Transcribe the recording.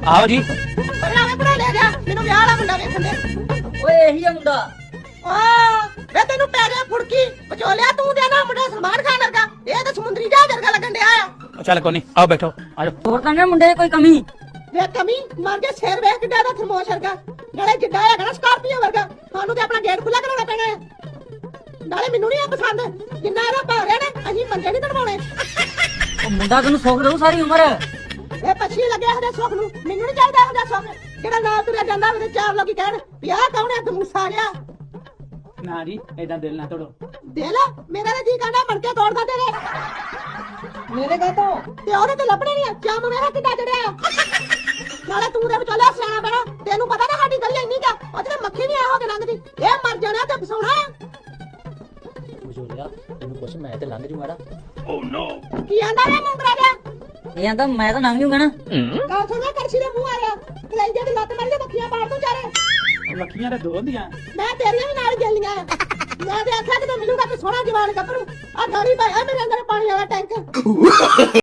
ਆਓ ਜੀ। ਆਵੇਂ ਬਣਾ ਲੈ ਜਾ ਮੈਨੂੰ ਵਿਆਹ ਵਾਲਾ ਮੁੰਡਾ ਵੇਖਣ ਦੇ। ਓਏ ਇਹੀ ਆ ਮੁੰਡਾ। ਵੇ ਤੈਨੂੰ ਪੈ ਗਿਆ ਫੁੜਕੀ ਵਿਚੋਲਿਆ ਤੂੰ ਦੇ ਨਾ ਮੁੰਡਾ ਸਲਮਾਨ ਖਾਨ ਵਰਗਾ ਇਹ ਤਾਂ ਸਮੁੰਦਰੀ ਜਹਾਜ਼ ਵਰਗਾ ਲੱਗਣ ਡਿਆ ਆ। ਚੱਲ ਕੋਈ ਨਹੀਂ ਆਓ ਬੈਠੋ ਆਜੋ। ਹੋਰ ਤਾਂ ਨਾ ਮੁੰਡੇ ਕੋਈ ਕਮੀ। ਵੇ ਕਮੀ ਮਰ ਕੇ ਸਿਰ ਵੇਖ ਕਿੱਡਾ ਦਾ ਥਰਮੋਸ਼ ਵਰਗਾ ਨਾਲੇ ਜਿੱਡਾ ਹੈਗਾ ਨਾ ਸਕਾਰਪੀਓ ਵਰਗਾ ਸਾਨੂੰ ਤੇ ਆਪਣਾ ਗੇਟ ਖੁੱਲਾ ਕਰਾਉਣਾ ਪੈਣਾ ਹੈ। ਨਾਲੇ ਮੈਨੂੰ ਨਹੀਂ ਆ ਪਸੰਦ ਜਿੰਨਾ ਇਹਦਾ ਭਾਅ ਰਿਹਾ ਨੇ ਅਸੀਂ ਮੰਜੇ ਨਹੀਂ ਤੜਵਾਉਣੇ। ਉਹ ਮੁੰਡਾ ਤੈਨੂੰ ਸੁੱਖ ਦਊ ਸਾਰੀ ਉਮਰ। ਇਹ ਪੱਛੀ ਲੱਗਿਆ ਉਹਦੇ ਸੁੱਖ ਨੂੰ ਮੈਨੂੰ ਨਹੀਂ ਚਾਹੀਦਾ ਉਹਦਾ ਸੁੱਖ ਜਿਹੜਾ ਨਾਲ ਤੁਰਿਆ ਜਾਂਦਾ ਉਹਦੇ ਚਾਰ ਲੋਕੀ ਕਹਿਣ ਵੀ ਆਹ ਕੌਣ ਹੈ ਦਮੂਸਾ ਜਿਹਾ। ਨਾ ਜੀ ਏਦਾਂ ਦਿਲ ਨਾ ਤੋੜੋ। ਦਿਲ ਮੇਰਾ ਤਾਂ ਜੀ ਕਹਿੰਦਾ ਮਣ ਕੇ ਤੋੜਦਾ ਤੇਰੇ ਮੇਰੇ ਕਾ ਤੋਂ ਤੇ ਉਹਦੇ ਤੇ ਲੱਭਣੇ ਨਹੀਂ ਚੰਮ ਮੇਰਾ ਕਿੱਦਾਂ ਜੜਿਆ। ਨਾਲੇ ਤੂੰ ਦੇ ਵਿਚਾਲੇ ਸਿਆਣਾ ਪੈਣਾ ਤੈਨੂੰ ਪਤਾ ਨਾ ਸਾਡੀ ਗਲੀ ਇੰਨੀ ਕਾ ਉਹਦੇ ਮੱਖੀ ਨਹੀਂ ਆ ਹੋ ਕੇ ਲੰਘਦੀ ਇਹ ਮਰ ਜਾਣਾ ਤੇ ਫਸਾਉਣਾ। ਬਜੋਲਿਆ ਤੈਨੂੰ ਕੁਛ ਮੈਂ ਤੇ ਲੰਘ ਜੂਗਾ। ਕੀ ਆਂਦਾ ਵੇ ਮੁੰਗਰਾ ਜਿਹਾ ਇਹ ਆਂਦਾ ਮੈਂ ਤਾਂ ਲੰਘ ਜੂਗਾ ਨਾ। ਕਾਹ ਸੁਣਾ ਕਰਸੀ ਦੇ ਮੂੰਹ ਆਇਆ ਕਲੇਜੇ ਦੀ ਲੱਤ ਮਾਰੀ ਤੇ ਮੱਖੀਆਂ ਪਾੜ ਤੂੰ ਚਾਰੇ। ਮੱਖੀਆਂ ਤੇ ਦੋ ਹੁੰਦੀਆਂ। ਮੈਂ ਤੇਰੀਆਂ ਵੀ ਨਾਲ ਜਲੀਆਂ ਮੈਂ ਤੇ ਆਖਿਆ ਕਿ ਮਿਲੂਗਾ ਤੇ ਸੋਹਣਾ ਜਵਾਨ ਗੱਭਰੂ ਆ ਗਾੜੀ ਪਾਇਆ ਮੇਰੇ ਅੰਦਰ ਪਾਣੀ ਵਾਲਾ ਟੈਂਕ।